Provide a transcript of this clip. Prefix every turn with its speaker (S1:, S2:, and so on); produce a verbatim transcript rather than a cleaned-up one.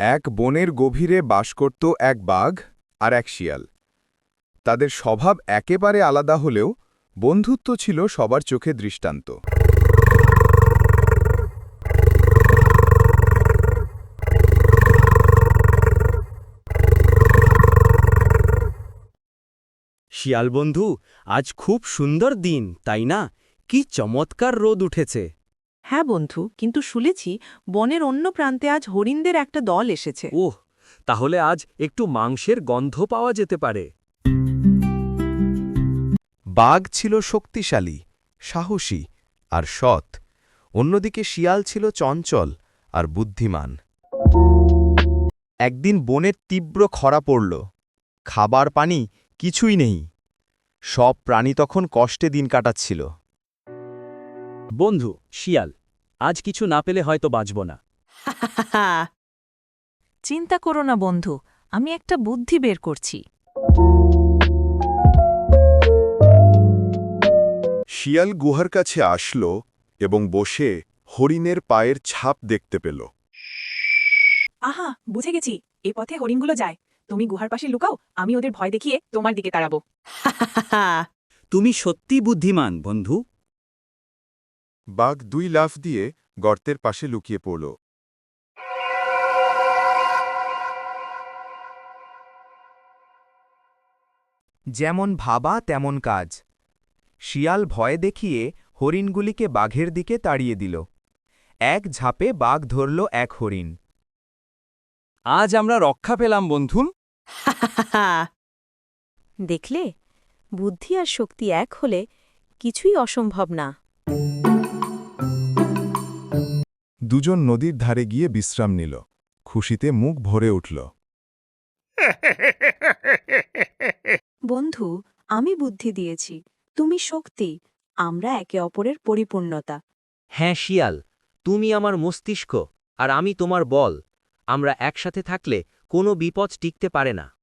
S1: এক বনের গভীরে বাস করত এক বাঘ আর এক শিয়াল। তাদের স্বভাব একেবারে আলাদা হলেও বন্ধুত্ব ছিল সবার চোখে দৃষ্টান্ত।
S2: শিয়াল বন্ধু, আজ খুব সুন্দর দিন তাই না? কি চমৎকার রোদ উঠেছে।
S3: হ্যাঁ বন্ধু, কিন্তু শুনেছি বনের অন্য প্রান্তে আজ হরিণদের একটা দল এসেছে।
S2: ওহ, তাহলে আজ একটু মাংসের গন্ধ পাওয়া যেতে পারে।
S4: বাঘ ছিল শক্তিশালী, সাহসী আর সৎ, অন্যদিকে শিয়াল ছিল চঞ্চল আর বুদ্ধিমান। একদিন বনের তীব্র খরা পড়ল, খাবার পানি কিছুই নেই। সব প্রাণী তখন কষ্টে দিন কাটাচ্ছিল।
S2: বন্ধু শিয়াল, আজ কিছু না পেলে হয়তো বাঁচব না।
S5: চিন্তা করো না বন্ধু, আমি একটা বুদ্ধি বের করছি।
S1: শিয়াল গুহার কাছে আসল এবং বসে হরিণের পায়ের ছাপ দেখতে পেল।
S3: আহা, বুঝে গেছি, এ পথে হরিণগুলো যায়। তুমি গুহার পাশে লুকাও, আমি ওদের ভয় দেখিয়ে তোমার দিকে তাড়াবো।
S2: তুমি সত্যি বুদ্ধিমান বন্ধু।
S1: বাঘ দুই লাফ দিয়ে গর্তের পাশে লুকিয়ে পড়ল।
S4: যেমন ভাবা তেমন কাজ। শিয়াল ভয় দেখিয়ে হরিণগুলিকে বাঘের দিকে তাড়িয়ে দিল। এক ঝাপে বাঘ ধরল এক হরিণ।
S2: আজ আমরা রক্ষা পেলাম বন্ধু।
S5: দেখলে, বুদ্ধি আর শক্তি এক হলে কিছুই অসম্ভব না।
S1: দুজন নদীর ধারে গিয়ে বিশ্রাম নিল। খুশিতে মুখ ভরে উঠল।
S5: বন্ধু, আমি বুদ্ধি দিয়েছি, তুমি শক্তি, আমরা একে অপরের পরিপূর্ণতা।
S2: হ্যাঁ শিয়াল, তুমি আমার মস্তিষ্ক আর আমি তোমার বল। আমরা একসাথে থাকলে কোনো বিপদ টিকতে পারে না।